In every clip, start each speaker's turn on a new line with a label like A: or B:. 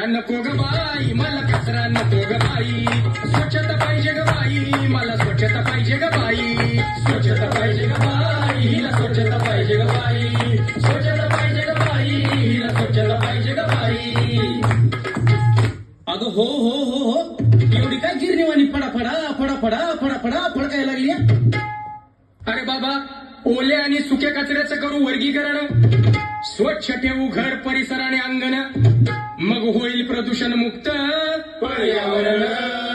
A: कचरा नको ग बाई, मला कचरा नको ग बाई. स्वच्छता पाहिजे ग बाई, मला स्वच्छता पाहिजे ग बाई. स्वच्छता पाहिजे ग बाई, हिला स्वच्छता पाहिजे ग बाई. स्वच्छता पाहिजे ग बाई, हिला स्वच्छता पाहिजे ग बाई.
B: अगं हो हो हो हो, एवढी काय गिरणीवाणी फडाफडा फडाफडा फडाफडा फडकायला लागली हं?
A: अरे बाबा, ओल्या आणि सुक्या कचऱ्याचं करू वर्गीकरण. स्वच्छ ठेवू घर, परिसर आणि अंगण, मग होईल प्रदूषण मुक्त पर्यावरण.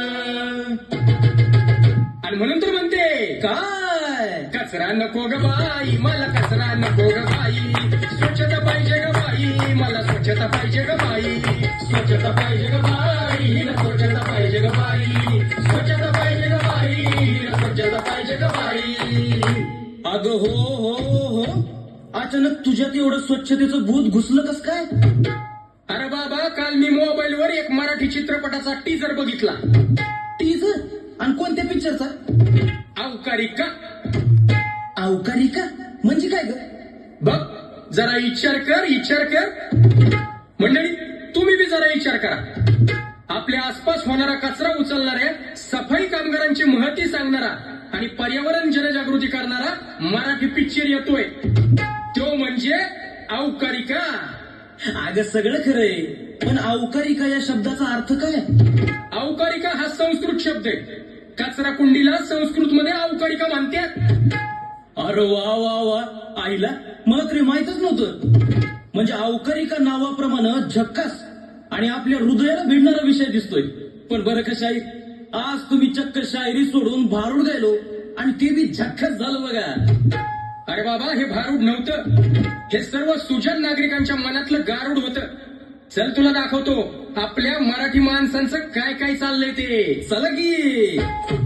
A: आणि म्हणून तर म्हणते,
B: काय
A: कचरा नको ग बाई, मला कचरा नको ग बाई. स्वच्छता पाहिजे ग बाई, मला स्वच्छता पाहिजे ग बाई. स्वच्छता पाहिजे ग बाई, हिला स्वच्छता पाहिजे ग बाई. स्वच्छता पाहिजे ग बाई, हिला स्वच्छता पाहिजे ग बाई.
B: अगं हो हो हो, अचानक तुझ्यात एवढं स्वच्छतेचं भूत घुसलं कस काय?
A: अरे बाबा, काल मी मोबाईलवर एक मराठी चित्रपटाचा टीजर बघितला.
B: टीजर? आणि कोणत्या पिक्चरचा?
A: अवकारी का?
B: अवकारी का म्हणजे काय ग?
A: बघ, जरा विचार कर. मंडळी, तुम्ही बी जरा विचार करा. आपल्या आसपास होणारा कचरा उचलणाऱ्या, सफाई कामगारांची महती सांगणारा आणि पर्यावरण जनजागृती करणारा मराठी पिक्चर येतोय. तो म्हणजे अवकारिका.
B: अगं सगळं खरंय, पण अवकारिका या शब्दाचा अर्थ काय?
A: अवकारिका हा संस्कृत शब्द आहे. कचरा कुंडीला संस्कृत मध्ये अवकारिका म्हणतात.
B: अरे वा वा वा, आईला मला तरी माहितच नव्हतं. म्हणजे अवकारिका नावाप्रमाणे झक्कास आणि आपल्या हृदयाला भिडणारा विषय दिसतोय. पण बरं का शाहीर, आज तुम्ही चक्क शायरी सोडून भारूड गेलो आणि ते बी झक्कास झालं बघा.
A: अरे बाबा, हे भारूड नव्हतं, हे सर्व सुजाण नागरिकांच्या मनातलं गारूड होतं. चल तुला दाखवतो आपल्या मराठी माणसांचं काय काय चाललंय ते.
B: चला की.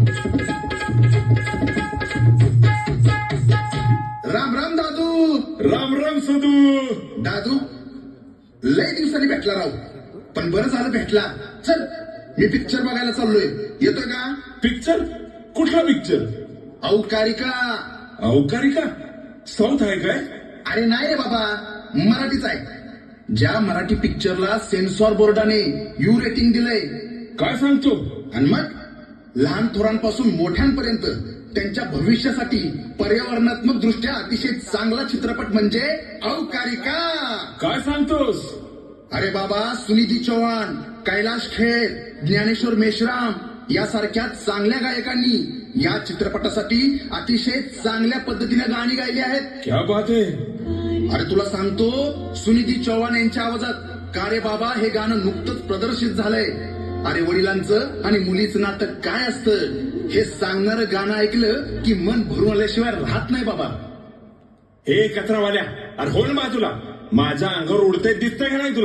C: राम राम दादू.
D: राम राम सदू.
C: दादू, लय दिवसांनी भेटला राव, पण बरं झालं भेटला. चल, मी पिक्चर बघायला चाललोय, येतोय का?
D: पिक्चर? कुठला पिक्चर?
C: अवकारिका.
D: अवकारिका? साऊथ आहे काय?
C: अरे नाही रे बाबा, मराठीच आहे. ज्या मराठी पिक्चरला सेन्सॉर बोर्डाने यू रेटिंग दिलंय.
D: काय सांगतो?
C: आणि मग लहान थोरांपासून मोठ्यांपर्यंत त्यांच्या भविष्यासाठी पर्यावरणात्मक दृष्ट्या अतिशय चांगला चित्रपट म्हणजे अवकारिका.
D: काय सांगतोस?
C: अरे बाबा, सुनिधी चौहान, कैलाश खेर, ज्ञानेश्वर मेश्राम यासारख्या चांगल्या गायकांनी या चित्रपटासाठी अतिशय चांगल्या पद्धतीने गाणी गायली आहेत.
D: क्या बात आहे.
C: अरे तुला सांगतो, सुनिधी चौहान यांच्या आवाजात का रे बाबा हे गाणं नुकतंच प्रदर्शित झालंय. अरे वडिलांचं आणि मुलीचं नातं काय असतं हे सांगणारं गाणं ऐकलं की मन भरून आल्याशिवाय राहत नाही बाबा.
D: हे कचरावाल्या, अरे हो ना बाजूला, माझ्या अंगावर उडते दिसतंय का नाही तुला?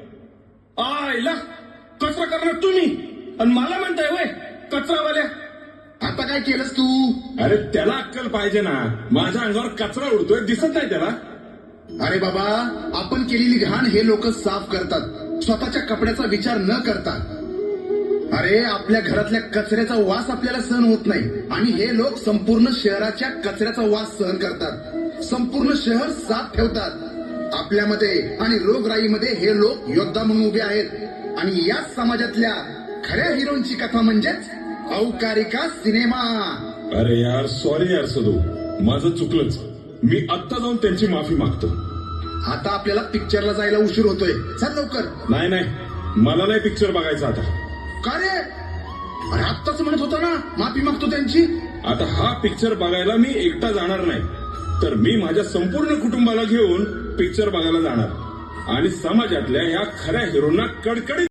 D: आयला, कचरा करणार तुम्ही आणि मला म्हणताय वय कचरावाल्या.
C: आता काय केलंस तू?
D: अरे त्याला अक्कल पाहिजे ना, माझ्या अंगावर कचरा उडतोय दिसत नाही त्याला?
C: अरे बाबा, आपण केलेली घाण हे लोक साफ करतात, स्वतःच्या कपड्याचा विचार न करता. अरे आपल्या घरातल्या कचऱ्याचा वास आपल्याला सहन होत नाही आणि हे लोक संपूर्ण शहराच्या कचऱ्याचा वास सहन करतात. संपूर्ण शहर साफ ठेवतात. आपल्यामध्ये आणि रोगराईमध्ये हे लोक योद्धा म्हणून उभे आहेत. आणि याच समाजातल्या खऱ्या हिरोंची कथा म्हणजेच अवकारिका सिनेमा.
D: अरे यार, सॉरी यार सदू, माझं चुकलंच. मी आत्ता जाऊन त्यांची माफी मागतो.
C: आता आपल्याला पिक्चरला जायला उशीर होतोय, चल लवकर.
D: नाही नाही, मला नाही पिक्चर बघायचा आता.
C: का रे? अरे आत्ताच म्हणत होता ना माफी मागतो त्यांची.
D: आता हा पिक्चर बघायला मी एकटा जाणार नाही, तर मी माझ्या संपूर्ण कुटुंबाला घेऊन पिक्चर बघायला जाणार आणि समाजातल्या या खऱ्या हिरोंना कडकडीत